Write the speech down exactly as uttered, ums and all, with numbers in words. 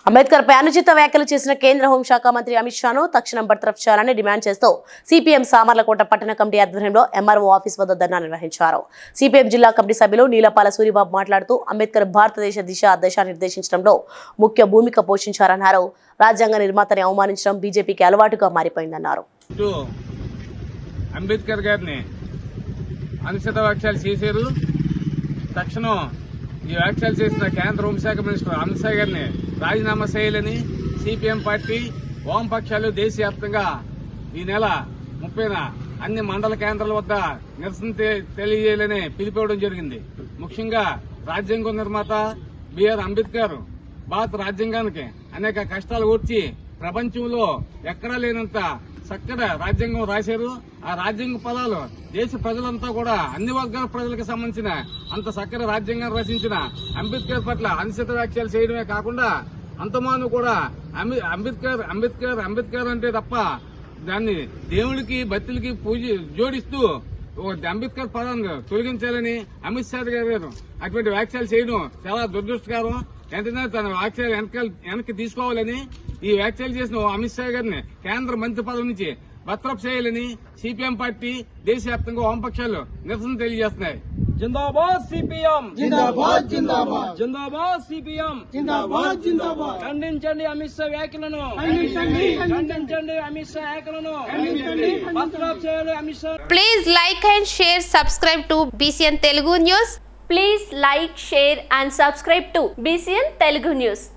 అంబేద్కర్ పై అనుచిత వ్యాఖ్యలు చేసిన కేంద్ర హోంశాఖ మంత్రి అమిత్ షాను తక్షణం బర్తరఫ్ చేయాలని డిమాండ్ చేస్తూ సిపిఎం సామర్లకోట పట్టణ కమిటీ ఆధ్వర్యంలో ఎంఆర్ఓ ఆఫీస్ వద్ద ధర్నా నిర్వహించారు. సిపిఎం జిల్లా కమిటీ సభ్యులు నీలపాల సూరిబాబు మాట్లాడుతూ అంబేద్కర్ భారతదేశ దిశ దశ నిర్దేశించడంలో ముఖ్య భూమిక పోషించారన్నారు. రాజ్యాంగ నిర్మాతని అవమానించడం బీజేపీకి అలవాటుగా మారిపోయిందన్నారు. అంబేద్కర్ గారిని అనుచిత వ్యాఖ్యలు చేశారు. తక్షణం ఈ వ్యాఖ్యలు చేసిన కేంద్ర హోంశాఖ మినిస్టర్ అమిత్ షా గారిని రాజీనామా చేయాలని సిపిఎం పార్టీ వామపక్షాలు దేశవ్యాప్తంగా ఈ నెల ముప్పైన అన్ని మండల కేంద్రాల వద్ద నిరసన తెలియజేయాలని పిలిపివ్వడం జరిగింది. ముఖ్యంగా రాజ్యాంగ నిర్మాత బిఆర్ అంబేద్కర్ భారత రాజ్యాంగానికి అనేక కష్టాలు ఓర్చి ప్రపంచంలో ఎక్కడా లేనంత చక్కగా రాజ్యాంగం రాశారు. ఆ రాజ్యాంగ పదాలు దేశ ప్రజలంతా కూడా అన్ని వర్గాల ప్రజలకు సంబంధించిన అంత చక్కగా రాజ్యాంగాన్ని రచించిన అంబేద్కర్ పట్ల అనుచిత వ్యాఖ్యలు చేయడమే కాకుండా అంతమాను కూడా అంబేద్కర్ అంబేద్కర్ అంబేద్కర్ అంటే తప్ప దాన్ని దేవుడికి భక్తులకి పూజ జోడిస్తూ అంబేద్కర్ పదాన్ని తొలగించాలని అమిత్ షా గారు అటువంటి వ్యాఖ్యలు చేయడం చాలా దురదృష్టకరం. వెంటనే తన వ్యాఖ్యలు వెనక వెనక్కి తీసుకోవాలని ఈ వ్యాఖ్యలు చేసిన అమిత్ షా గారిని కేంద్ర మంత్రి పదవి నుంచి బర్తరఫ్ చేయాలని సిపిఎం పార్టీ దేశవ్యాప్తంగా వామపక్షాలు నిరసన తెలియజేస్తున్నాయి. జిందాబాద్ సిపిఎం, జిందాబాద్ జిందాబాద్, జిందాబాద్ సిపిఎం, జిందాబాద్ జిందాబాద్. ఖండించండి అమిత్ షా వ్యాఖ్యలను, ఖండించండి, ఖండించండి అమిత్ షా వ్యాఖ్యలను, ఖండించండి, బర్తరఫ్ చేయాలి Amit Shah. Please like and share, subscribe to B C N Telugu News. Please like, share and subscribe to B C N Telugu News.